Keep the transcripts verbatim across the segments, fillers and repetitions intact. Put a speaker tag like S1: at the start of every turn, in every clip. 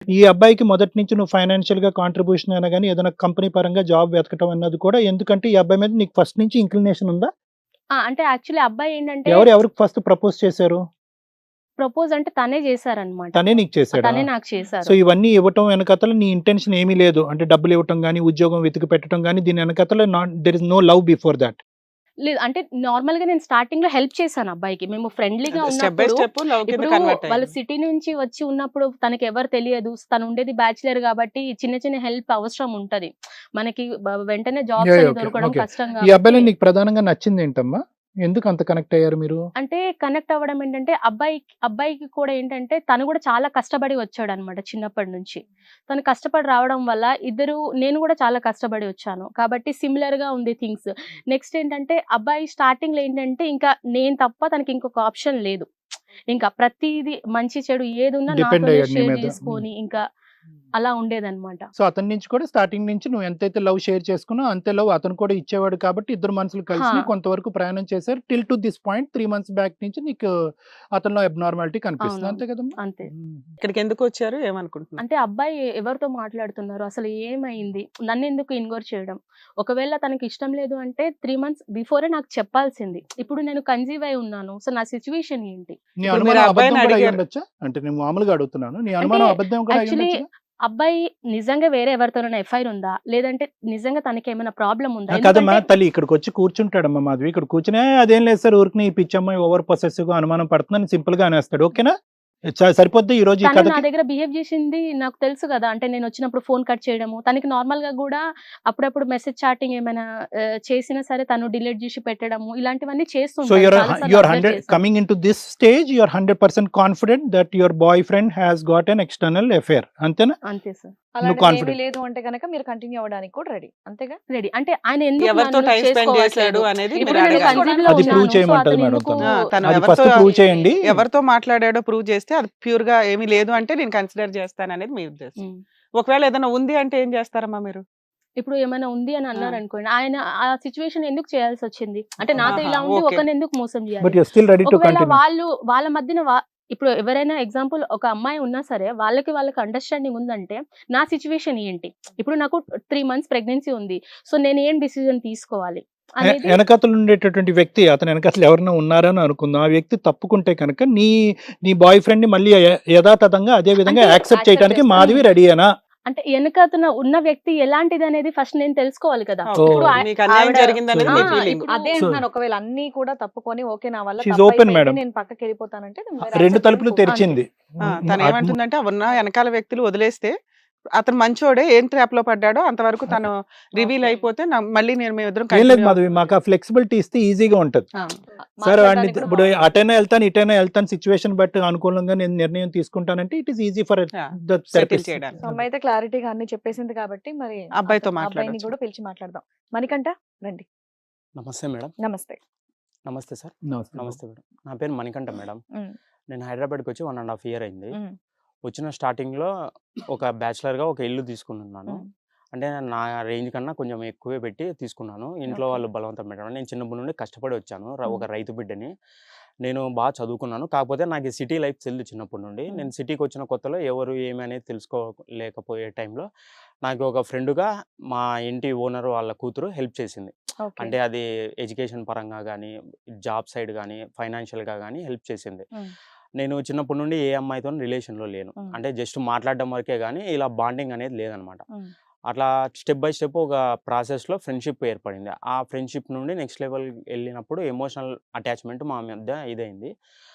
S1: ఈ అబ్బాయికి మొదటి నుంచి నువ్వు ఫైనాన్షియల్‌గా కాంట్రిబ్యూషన్ అయినా గాని, ఏదైనా కంపెనీ పరంగా జాబ్ వెతకటం అన్నది కూడా ఎందుకంటే, ఈ అబ్బాయి మీద నీకు ఫస్ట్ నుంచి ఇంక్లినేషన్ ఉందా?
S2: ఆ! అంటే యాక్చువల్లీ అబ్బాయి ఏంటంటే
S1: ఎవరు ఎవరికి ఫస్ట్ ప్రపోజ్ చేశారు?
S2: ప్రపోజ్ అంటే తనే చేశారనమాట.
S1: తనే నీకు చేసాడా?
S2: తనే నాకు
S1: సో,
S2: చేశారు.
S1: ఇవన్నీ ఇవ్వటం వెనకాతల నీ ఇంటెన్షన్ ఏమీ లేదు. అంటే డబ్బులు ఇవ్వటం గాని, ఉద్యోగం వెతికి పెట్టడం గాని, దీని వెనకాతల not there is no love before that.
S2: లేదు అంటే నార్మల్‌గా నేను స్టార్టింగ్‌లో హెల్ప్ చేశాను అబ్బాయికి. మేము ఫ్రెండ్లీగా
S3: స్టెప్ బై
S2: ఉన్నప్పుడు
S3: స్టెప్ లవ్ కింద
S2: ఇప్పుడు
S3: కన్వర్ట్
S2: వాళ్ళు
S3: అయింది.
S2: సిటీ నుంచి వచ్చి ఉన్నప్పుడు తనకెవరు తెలియదు. తను ఉండేది బ్యాచిలర్ కాబట్టి చిన్న చిన్న హెల్ప్ అవసరం ఉంటది. మనకి బ వెంటనే జాబ్స్
S1: యాహ్!
S2: అని
S1: ఓకే.
S2: దొరకడం
S1: ఓకే.
S2: కష్టం
S1: ఈ అబ్బాయిలో
S2: కాబట్టి
S1: నీకు ప్రధానంగా నచ్చిందేంటమ్మా? ఎందుకు అంత కనెక్ట్ అయ్యారు మీరు?
S2: అంటే కనెక్ట్ అవ్వడం ఏంటంటే అబ్బాయికి అబ్బాయికి కూడా ఏంటంటే తను కూడా చాలా కష్టపడి వచ్చాడనమాట చిన్నప్పటి నుంచి. తను కష్టపడి రావడం వల్ల ఇద్దరు నేను కూడా చాలా కష్టపడి వచ్చాను. కాబట్టి సిమిలర్‌గా ఉంది థింగ్స్. నెక్స్ట్ ఏంటంటే అబ్బాయి స్టార్టింగ్‌లో ఏంటంటే ఇంకా నేను తప్ప తనకి ఇంకొక ఆప్షన్ లేదు. ఇంకా ప్రతీది మంచి చెడు ఏదున్నా
S1: డిపెండ్
S2: నాతోనే
S1: అయ్యాడు నీ
S2: షేర్
S1: మీద. హ్మ్.
S2: చేసుకొని ఇంకా అలా ఉండేదనమాట.
S1: సో, అతని నుంచి కూడా స్టార్టింగ్ నుంచి నువ్వు ఎంతైతే లవ్ షేర్ చేసుకున్నావో అంతే లవ్ అతను కూడా ఇచ్చేవాడు కాబట్టి ఇద్దరు మనసులు
S2: హా!
S1: కలిసినాయి. కొంతవరకు ప్రయాణం చేశారు. టిల్ టు దిస్ పాయింట్ మూడు మంత్స్ బ్యాక్ నుంచి నీకు అతనిలో అబ్నార్మాలిటీ కనిపిస్తుంది. అంతే
S2: అవునవును.
S1: కదమ్మా?
S2: అంతే.
S1: హ్మ్.
S3: ఇక్కడికి ఎందుకు వచ్చారు? ఏమనుకుంటున్నారు?
S2: అంటే అబ్బాయి ఎవరితో మాట్లాడుతున్నారు? అసలు ఏమైంది? నన్నెందుకు ఇగ్నోర్ చేయడం? ఒకవేళ తనకి ఇష్టం లేదు అంటే మూడు మంత్స్ బిఫోరే నాకు చెప్పాల్సింది. ఇప్పుడు నేను కన్సీవ్ అయి ఉన్నాను. సో, నా సిట్యుయేషన్ ఏంటి?
S1: నీ
S3: ఇప్పుడు మీరు
S1: అనుమానం
S3: అబ్బాయిని
S1: అబద్ధం కూడా
S3: అడిగారు.
S1: అయ్యుండొచ్చా? అంటే నేను మామూలుగా అడుగుతున్నాను. నీ
S2: అంటే
S1: అనుమానం అబద్ధం కూడా
S2: యాక్చువల్లీ
S1: అయ్యుండొచ్చుగా?
S2: అబ్బాయి నిజంగా వేరే ఎవరితోనైనా ఎఫ్ఐఆర్ ఉందా? లేదంటే నిజంగా తనకేమైనా ప్రాబ్లమ్ ఉందా?
S1: ఆ! కాదమ్మా
S2: ఎందుకంటే
S1: తల్లి ఇక్కడికొచ్చి కూర్చుంటాడమ్మా మాధవి. ఇక్కడ కూర్చొని "ఏ అదేం లేదు సార్ ఊరికనే ఈ పిచ్చమ్మాయి ఓవర్ పొసెసివ్‌గా అనుమానం పడుతుందని" సింపుల్‌గా అనేస్తాడు. ఓకేనా? చ సరిపోద్దా ఈరోజు ఈ
S2: తను నా
S1: కథకి?
S2: దగ్గర బిహేవ్ చేసింది నాకు తెలుసు గదా! అంటే నేనొచ్చినప్పుడు ఫోన్ కట్ చేయడము. తనకి నార్మల్‌గా గూడా అప్పుడప్పుడు మెసేజ్ చాటింగ్ ఏమైనా ఆహ్, చేసినా సరే తను డిలీట్ జేసి పెట్టడము. ఇలాంటివన్నీ చేస్తూ
S1: సో,
S2: ఉంటాడు.
S1: యూర్
S2: చాలా సార్లు
S1: యూర్
S2: అబ్జర్వ్
S1: హండ్రెడ్
S2: చేశాను.
S1: Coming into this stage you are hundred percent confident that your boyfriend has got an external affair అంతేనా?
S2: అంతే సార్.
S1: నువ్వు
S4: అలాంటిదేమీ
S1: కాన్ఫిడెంట్.
S4: లేదు అంటే గనక మీరు కంటిన్యూ అవ్వడానికి కూడా రెడీ. అంతేగా?
S2: రెడీ. అంటే ఆయన ఎందుకు
S3: ఎవరితో
S2: నన్ను
S3: టైమ్ స్పెండ్ చేశాడు
S2: చేసుకోవట్లేదు?
S3: అనేది
S2: ఇప్పుడు
S3: మీరు
S2: నేను
S3: అడగాలి.
S2: కన్సీవ్‌లో
S1: అది ప్రూవ్
S2: ఉన్నాను. సో,
S1: చేయమంటది
S2: అతను
S1: మేడం
S2: ఎందుకు
S1: తను.
S3: ఆ! తను
S1: అది
S3: ఎవరితో
S1: ఫస్ట్ ప్రూవ్ చేయండి.
S3: ఎవరితో మాట్లాడాడో ప్రూవ్ చేస్తే అది ప్యూర్‌గా ఏమీ లేదు అంటే నేను కన్సిడర్ చేస్తాననేది మీ ఉద్దేశం.
S2: హ్మ్.
S3: ఒకవేళ ఏదైనా ఉంది అంటే ఏం చేస్తారమ్మా మీరు?
S2: ఇప్పుడు ఏమైనా ఉంది అని
S3: ఆ!
S2: అన్నారనుకోండి. ఆయన ఆ సిట్యుయేషన్ ఎందుకు చేయాల్సొచ్చింది? అంటే నాతో
S3: ఆహా!
S2: ఇలా ఉండి
S3: ఓకే.
S2: ఒకరిని ఎందుకు మోసం
S1: బట్
S2: జేయాలి?
S1: You are still ready to
S2: ఒకవేళ
S1: కంటిన్యూ.
S2: వాళ్ళు వాళ్ళ మధ్యన వా ఇప్పుడు ఎవరైనా ఎగ్జాంపుల్ ఒక అమ్మాయి ఉన్నా సరే వాళ్ళకి వాళ్ళకి అండర్‌స్టాండింగ్ ఉందంటే నా సిట్యుయేషన్ ఏంటి? ఇప్పుడు నాకు మూడు మంత్స్ ప్రెగ్నెన్సీ ఉంది. సో, నేను ఏం డిసిజన్ తీసుకోవాలి
S1: ఎ
S2: అనేది
S1: ఎనకాతల ఉండేటటువంటి వ్యక్తి అతని ఎనకాతల ఎవరైనా ఉన్నారని అనుకుందాం. ఆ వ్యక్తి తప్పుకుంటే కనుక నీ నీ బాయ్ ఫ్రెండ్‌ని మళ్ళీ య యథాతథంగా అదే విధంగా
S2: అంటే
S1: యాక్సెప్ట్
S4: యాక్సెప్ట్
S1: చేయడానికి
S4: చేస్తారు.
S1: మాధవి
S2: హ్మ్.
S1: రెడీయేనా?
S2: అంటే ఎనకాతల ఉన్న వ్యక్తి ఎలాంటిదనేది ఫస్ట్ నేను తెలుసుకోవాలి కదా!
S3: ఓకే.
S2: ఇప్పుడు
S1: ఓహ్!
S2: ఆహ్,
S3: మీకు అన్యాయం
S2: ఆవిడ
S3: జరిగిందనేది
S1: సో,
S3: మీ
S2: ఆ!
S3: ఫీలింగ్.
S2: ఇప్పుడు
S4: అదే
S1: సో,
S4: అంటున్నాను. ఒకవేళ అన్నీ కూడా తప్పుకొని ఓకే నా వల్ల
S1: షీ ఈస్ ఓపెన్
S4: తప్పైపోయింది.
S1: మేడం.
S4: నేను పక్కకెళ్ళిపోతానంటే మీరు
S1: రెండు
S4: యాక్సెప్ట్
S1: తలుపులు
S4: చేయడానికి ఓకే.
S2: అంతే.
S1: తెరిచింది.
S3: ఆ!
S1: హ్మ్.
S3: తను
S1: అద్
S3: ఏమంటుందంటే ఉన్న వెనకాల వ్యక్తులు వదిలేస్తే అతను మంచోడే ఏం ట్రాప్‌లో పడ్డాడో అంతవరకు తను రివీల్
S4: ఓకే.
S3: అయిపోతే న మళ్ళీ నేను మేమిద్దరం
S1: ఏం లేదు
S3: కంటిన్యూ
S1: మాధవి. మాకు ఆ ఫ్లెక్సిబిలిటీ ఇస్తే ఈజీగా ఉంటది.
S3: ఆ!
S1: సార్ వాడిని
S4: మాట్లాడడానికి కూడా
S1: ఇప్పుడు
S4: బాగుంటుంది.
S1: అటైనా ఎళ్తాను, ఇటైనా ఎళ్తాను సిట్యుయేషన్ బట్టి అనుకూలంగా నేను నిర్ణయం తీసుకుంటానంటే it is easy for
S3: yeah!
S1: The
S3: settle
S1: therapist.
S3: చేయడానికి.
S4: సో, అమ్మ అయితే క్లారిటీగా అన్ని చెప్పేసింది కాబట్టి మరి
S3: అబ్బాయితో
S4: అతను అబ్బాయిని
S3: మాట్లాడొచ్చు.
S4: కూడా పిలిచి మాట్లాడదాం. మణికంఠ రండి.
S5: నమస్తే మేడం.
S4: నమస్తే.
S5: నమస్తే సార్.
S1: నమస్తే బాబు.
S5: నమస్తే మేడం. నా పేరు మణికంఠ మేడం.
S4: హ్మ్.
S5: నేను హైదరాబాద్‌కి వచ్చి వన్ అండ్ హాఫ్ ఇయర్ అయింది.
S4: హ్మ్.
S5: వచ్చిన స్టార్టింగ్‌లో ఒక బ్యాచిలర్‌గా ఒక ఇల్లు తీసుకున్నాను.
S4: హ్మ్.
S5: అంటే నా రేంజ్ కన్నా కొంచెం ఎక్కువే పెట్టి తీసుకున్నాను. ఇంట్లో
S4: ఓకే.
S5: వాళ్ళు బలవంతం పెట్టడం. నేను చిన్నప్పటి నుండి కష్టపడి వచ్చాను. ర
S4: హ్మ్.
S5: ఒక రైతు బిడ్డని. నేను బాగా చదువుకున్నాను. కాకపోతే నాకు ఈ సిటీ లైఫ్ తెలీదు చిన్నప్పటి నుండి.
S4: హ్మ్.
S5: నేను సిటీకి వచ్చిన కొత్తలో ఎవరు ఏమి అనేది తెలుసుకోలేకపోయే టైంలో నాకు ఒక ఫ్రెండ్‌గా మా ఇంటి ఓనర్ వాళ్ళ కూతురు హెల్ప్ చేసింది.
S4: ఓకే.
S5: అంటే అది ఎడ్యుకేషన్ పరంగా గానీ, జాబ్ సైడ్ గానీ, ఫైనాన్షియల్‌గా గానీ హెల్ప్ చేసింది.
S4: హ్మ్.
S5: నేను చిన్నప్పటి నుండి ఏ అమ్మాయితోని రిలేషన్‌లో లేను.
S4: హ్మ్.
S5: అంటే జస్ట్ మాట్లాడడం వరకే గానీ, ఇలా బాండింగ్ అనేది లేదనమాట.
S4: హ్మ్.
S5: అట్లా స్టెప్ బై స్టెప్ ఒక ప్రాసెస్‌లో ఫ్రెండ్‌షిప్ ఏర్పడింది. ఆ ఫ్రెండ్‌షిప్ నుండి నెక్స్ట్ లెవెల్ ఎళ్ళినప్పుడు ఎమోషనల్ అటాచ్‌మెంట్ మా మధ్య ఇదైంది.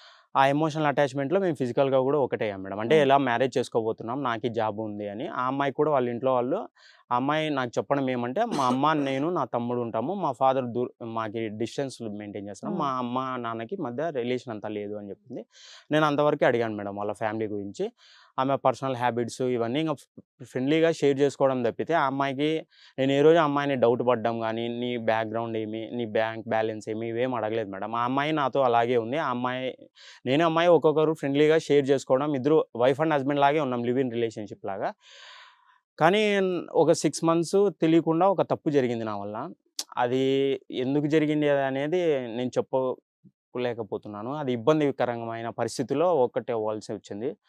S5: ఆ ఎమోషనల్ అటాచ్‌మెంట్‌లో మేము ఫిజికల్‌గా గూడా ఒకటయ్యాం మేడం. అంటే
S4: హ్మ్.
S5: ఎలా మ్యారేజ్ చేసుకోబోతున్నాం. నాకీ జాబ్ ఉంది అని. ఆ అమ్మాయికి కూడా వాళ్ళ ఇంట్లో వాళ్ళు ఆ అమ్మాయి నాకు చెప్పడం ఏమంటే, మా అమ్మ, నేను, నా తమ్ముడు ఉంటాము. మా ఫాదర్ దూర్ మాకి డిస్టెన్స్ మెయింటైన్ చేస్తున్నాం.
S4: హ్మ్.
S5: మా అమ్మ, నాన్నకి మధ్య రిలేషన్ అంతా లేదు అని చెప్పింది. నేను అంతవరకే అడిగాను మేడం వాళ్ళ ఫ్యామిలీ గురించి. ఆమె పర్సనల్ హ్యాబిట్స్ ఇవన్నీ ఇంగ ఫ్రెండ్లీగా షేర్ చేసుకోవడం తప్పితే, ఆ అమ్మాయికి నేను ఏ రోజు ఆ అమ్మాయిని డౌట్ పడ్డం గానీ, నీ బ్యాక్‌గ్రౌండ్ ఏమి, నీ బ్యాంక్ బ్యాలెన్స్ ఏమి ఇవేమి అడగలేదు మేడం. ఆ అమ్మాయి నాతో అలాగే ఉంది. ఆ అమ్మాయి నేను, అమ్మాయి ఒక్కొక్కరు ఫ్రెండ్లీగా షేర్ చేసుకోవడం, ఇద్దరు వైఫ్ అండ్ హస్బెండ్ లాగే ఉన్నాం. లివ్ ఇన్ రిలేషన్‌షిప్ లాగా. కానీ ఒక ఆరు మంత్స్ తెలియకుండా ఒక తప్పు జరిగింది నా వల్ల. అది ఎందుకు జరిగింది అనేది నేను చెప్పలేకపోతున్నాను. అది ఇబ్బందికరమైన పరిస్థితిలో ఒక్కటే అవ్వాల్సి వచ్చింది.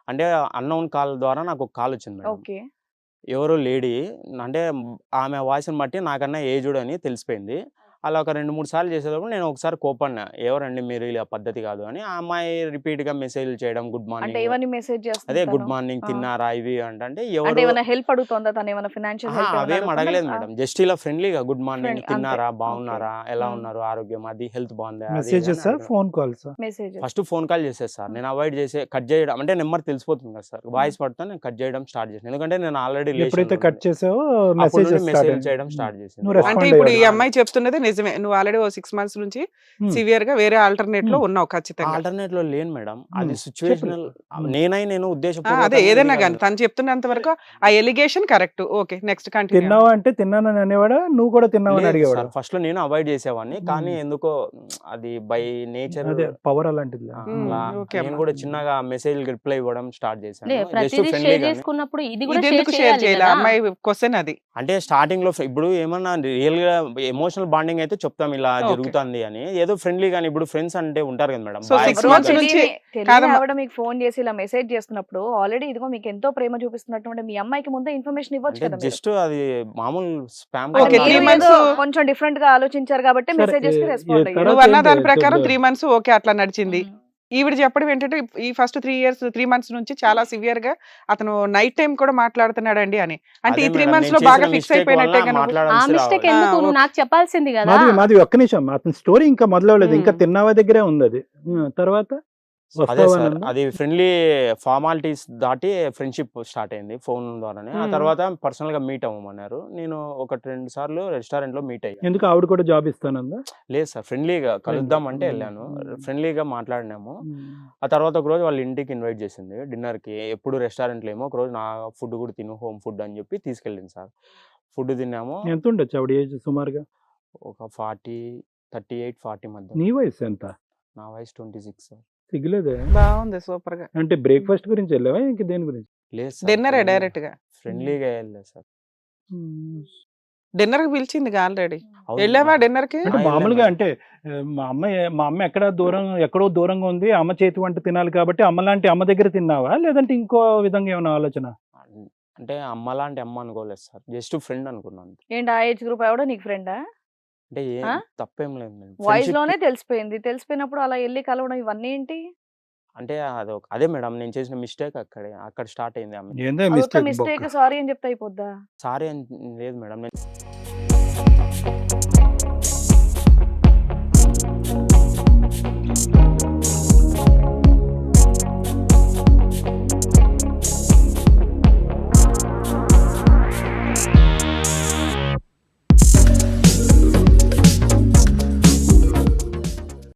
S5: అంటే అన్నోన్ కాల్ ద్వారా నాకు ఒక కాల్ వచ్చింది మేడం.
S4: ఓకే.
S5: ఎవరో లేడీ అంటే ఆమె వాయిస్‌ని బట్టి నాకన్నా ఏజ్డ్ అని తెలిసిపోయింది. అలా ఒక రెండు, మూడు సార్లు చేసేటప్పుడు నేను ఒకసారి కోపడినా. ఎవరండి మీరు ఇలా పద్ధతి కాదు అని. ఆ అమ్మాయి రిపీట్‌గా మెసేజ్‌లు చేయడం గుడ్
S4: అంటే
S5: మార్నింగ్
S4: ఏమని మెసేజ్
S5: అదే
S4: చేస్తుంది
S5: గుడ్
S4: తను?
S5: మార్నింగ్
S4: ఆ.
S5: తిన్నారా ఇవి అంటే అంటే
S4: అంటే
S5: ఎవరు
S4: ఏమైనా హెల్ప్ అడుగుతుందా తను? ఏమైనా ఫైనాన్షియల్
S5: అహా!
S4: హెల్ప్ ఏమైనా
S5: అవేం
S4: అడుగుతుందా?
S5: అడగలేదు
S4: ఆ,
S5: మేడం. జస్ట్ ఇలా ఫ్రెండ్లీగా గుడ్ మార్నింగ్
S4: ఫ్రెండ్ అంతే.
S5: తిన్నారా?
S4: ఓకే.
S5: బాగున్నారా? ఎలా
S4: హ్మ్.
S5: ఉన్నారు? ఆరోగ్యం అది హెల్త్ బాగుందా? అది ఇది అని
S1: మెసేజెస్
S5: అడిగాను.
S1: Phone calls
S4: message.
S5: First phone call చేసేది సార్.
S4: హ్మ్.
S5: నేను అవాయిడ్ చేసి కట్ చేయడం అంటే నెంబర్ తెలిసిపోతుంది కదా సార్.
S4: హ్మ్.
S5: వాయిస్ పడితే నేను కట్ చేయడం స్టార్ట్ చేశాను. ఎందుకంటే నేను ఆల్రెడీ
S1: ఎప్పుడైతే
S5: రిలేషన్‌లో
S1: కట్
S5: ఉండే.
S1: చేసావో
S5: అప్పటి
S1: మెసేజెస్
S5: నుండి
S1: స్టార్ట్
S5: మెసేజ్‌లు
S1: అయ్యాయి.
S5: చేయడం
S1: హ్మ్.
S5: స్టార్ట్ చేసింది.
S1: నువ్వు
S3: అంటే
S1: రెస్పాండ్
S3: ఇప్పుడు ఈ
S1: అయ్యావు.
S3: అమ్మాయి చెప్తున్నది నిజమే. నువ్వు ఆల్రెడీ ఓ సిక్స్ మంత్స్ నుంచి
S1: హ్మ్.
S3: సివియర్‌గా వేరే ఆల్టర్‌నేట్‌లో
S1: హ్మ్.
S3: ఉన్నావు ఖచ్చితంగా.
S5: ఆల్టర్‌నేట్‌లో లేను మేడం. అది
S1: హ్మ్. చెప్పు.
S5: సిట్యుయేషనల్
S1: హ్మ్.
S5: నేనై నేను
S3: ఆ! అదే
S5: ఉద్దేశపూర్వకంగా ఇది
S3: ఏదైనా
S5: కాదు
S3: గాని
S5: మేడం.
S3: తను చెప్తున్నంత వరకు ఆ allegation correct. Okay. Next continue
S1: తిన్నావా
S3: అవ్వండి.
S1: అంటే తిన్నానని అనేవాడా? నువ్వు కూడా తిన్నావని
S5: లేదు
S1: అడిగేవాడా?
S5: సార్. ఫస్ట్‌లో నేను అవాయిడ్ చేసేవాడిని. కానీ
S1: హ్మ్.
S5: ఎందుకో అది బై నేచర్
S1: అదే పవర్ అలాంటిదిలే.
S5: ఆ!
S3: హ్మ్.
S5: అలా
S3: ఓకే
S5: నేను
S3: అమ్మా.
S5: కూడా చిన్నగా మెసేజ్‌లకి రిప్లై ఇవ్వడం స్టార్ట్
S2: లే
S5: చేశాను. జస్ట్
S2: ప్రతిదీ షేర్
S5: ఫ్రెండ్లీగానే.
S2: చేసుకున్నప్పుడు ఇది కూడా షేర్
S3: ఇదెందుకు షేర్
S2: చేయాలి
S3: చేయలే?
S2: కదా!
S3: అమ్మాయి క్వెషన్ అది.
S5: అంటే స్టార్టింగ్‌లో ఫ్రె ఇప్పుడు ఏమన్నా రియల్‌గా ఎమోషనల్ బాండింగ్ అయితే చెప్తాం ఇలా
S3: ఓకే.
S5: జరుగుతుంది అని. ఏదో ఫ్రెండ్లీగాని ఇప్పుడు ఫ్రెండ్స్ అంటే ఉంటారు కదా మేడం.
S3: సో
S5: బాయ్స్
S3: సిక్స్
S4: ఎవరో
S3: మంత్స్
S5: ఉంటారు.
S3: నుంచి
S4: తెలియని తెలియని
S3: కాదమ్మా.
S4: ఆవిడ మీకు ఫోన్ చేసి ఇలా మెసేజ్ చేస్తున్నప్పుడు ఆల్రెడీ ఇదిగో మీకు ఎంతో ప్రేమ చూపిస్తున్నటువంటి మీ అమ్మాయికి ముందే ఇన్ఫర్మేషన్ ఇవ్వచ్చు
S5: అంటే
S4: కదా మీరు.
S5: జస్ట్ అది మామూలు స్పామ్
S4: అంటే
S3: ఓకే.
S5: కాల్
S3: త్రీ
S4: మీరు
S5: లాగా.
S4: ఏదో
S3: మంత్స్
S4: కొంచెం డిఫరెంట్ గా ఆలోచించారు కాబట్టి
S1: సరే
S4: మెసేజెస్ కి
S1: ఏ- ఏ
S4: రెస్పాండ్ అయ్యారు.
S1: తర్వాత
S3: నువ్వు అన్న
S1: ఏంటి
S3: దాని ప్రకారం
S1: చెప్దా?
S3: త్రీ మంత్స్ ఓకే అట్లా నడిచింది.
S2: హ్మ్.
S3: ఈవిడ చెప్పడం ఏంటంటే ఈ first three years three months నుంచి చాలా సివియర్‌గా అతను నైట్ టైమ్ కూడా మాట్లాడుతున్నాడండి అని. అంటే
S5: అదే
S3: ఈ త్రీ
S5: మేడం.
S3: మంత్స్‌లో
S5: నేను
S3: బాగా
S5: చేసిన
S3: ఫిక్స్
S5: మిస్టేక్ వల్ల
S3: అయిపోయినట్టేగా నువ్వు.
S2: ఆ
S5: మాట్లాడాల్సి
S2: మిస్టేక్
S5: రావాలి.
S3: ఆ!
S2: ఎందుకు? నువ్వు
S3: ఓకే.
S2: నాకు చెప్పాల్సింది కదా!
S1: మాధవి మాధవి ఒక్క నిమిషం. అతని స్టోరీ ఇంకా మొదలవలేదు. ఇంకా
S3: హ్మ్.
S1: తిన్నావా దగ్గరే ఉంది అది. హ్మ్. తర్వాత
S5: అదే
S1: వస్తావా
S5: సార్.
S1: అనందా?
S5: అది ఫ్రెండ్లీ ఫార్మాలిటీస్ దాటి ఫ్రెండ్‌షిప్ స్టార్ట్ అయింది ఫోన్ ద్వారానే. ఆ
S3: హ్మ్.
S5: తర్వాత పర్సనల్‌గా మీట్ అవ్వమన్నారు. నేను ఒకటి, రెండు సార్లు రెస్టారెంట్‌లో మీట్ అయ్యాను.
S1: ఎందుకు ఆవిడ కూడా జాబ్ ఇస్తానందా?
S5: లేదు సార్. ఫ్రెండ్లీగా
S1: ఫ్రెండ్లీ.
S5: కలుద్దాం అంటే
S1: హ్మ్.
S5: ఎళ్ళాను.
S1: హ్మ్.
S5: ఫ్రెండ్లీగా మాట్లాడినాము.
S1: హ్మ్.
S5: ఆ తర్వాత ఒక రోజు వాళ్ళ ఇంటికి ఇన్వైట్ చేసింది డిన్నర్‌కి. ఎప్పుడు రెస్టారెంట్‌లో ఏమో ఒకరోజు నా ఫుడ్ కూడా తిను హోమ్ ఫుడ్ అని చెప్పి తీసుకెళ్ళింది సార్. ఫుడ్ తిన్నాము.
S1: ఎంత ఉండొచ్చు ఆవిడ ఏజ్ సుమారుగా?
S5: ఒక నలభై, ముప్పై ఎనిమిది, నలభై మధ్యలో.
S1: నీ వయసు ఎంత?
S5: నా వయసు ఇరవై ఆరు సార్.
S1: సిగ్గులేదే?
S3: బాగుంది సూపర్‌గా.
S1: అంటే బ్రేక్‌ఫాస్ట్ గురించి వెళ్ళావా? ఇంక దేని గురించి?
S5: లేదు సార్.
S3: డిన్నరే
S5: ఫ్రెండ్లీగా
S3: డైరెక్ట్‌గా.
S5: ఫ్రెండ్లీగా ఎళ్ళా సార్.
S1: హ్మ్.
S3: డిన్నర్‌కి పిలిచిందిగా ఆల్రెడీ.
S5: అవును
S3: ఎళ్ళావా
S5: మేడం.
S3: డిన్నర్‌కి?
S1: అంటే
S5: ఆ! ఎళ్ళా
S1: మామూలుగా
S5: మేడం.
S1: అంటే ఆహ్, మా అమ్మ మా అమ్మ ఎక్కడ దూరం ఎక్కడో దూరంగా ఉంది. అమ్మ చేతి వంట తినాలి కాబట్టి అమ్మలాంటి అమ్మ దగ్గర తిన్నావా? లేదంటే ఇంకో విధంగా ఏమైనా ఆలోచన?
S5: అన్ అంటే అమ్మలాంటి అమ్మ అనుకోలేదు సార్. జస్ట్ ఫ్రెండ్ అనుకున్నాను అంతే.
S4: ఏంటి ఆ ఏజ్ గ్రూప్ ఎవడో నీకు ఫ్రెండా?
S5: అంటే ఏ
S4: ఆ?
S5: తప్పేం లేదు మేడం.
S4: వాయిస్
S5: ఫ్రెండ్‌షిప్‌కి
S4: లోనే తెలిసిపోయింది. తెలిసిపోయినప్పుడు అలా ఎళ్లి కలవడం ఇవన్నీ ఏంటి?
S5: అంటే అదొక అదే మేడం నేను చేసిన మిస్టేక్ అక్కడే. అక్కడ స్టార్ట్ అయింది ఆమె.
S1: ఏందో
S4: అదొత్త
S1: మిస్టేక్ బొక్క.
S4: మిస్టేక్ సారీ అని చెప్తే అయిపోద్దా?
S5: సారీ అని లేదు మేడం. నేను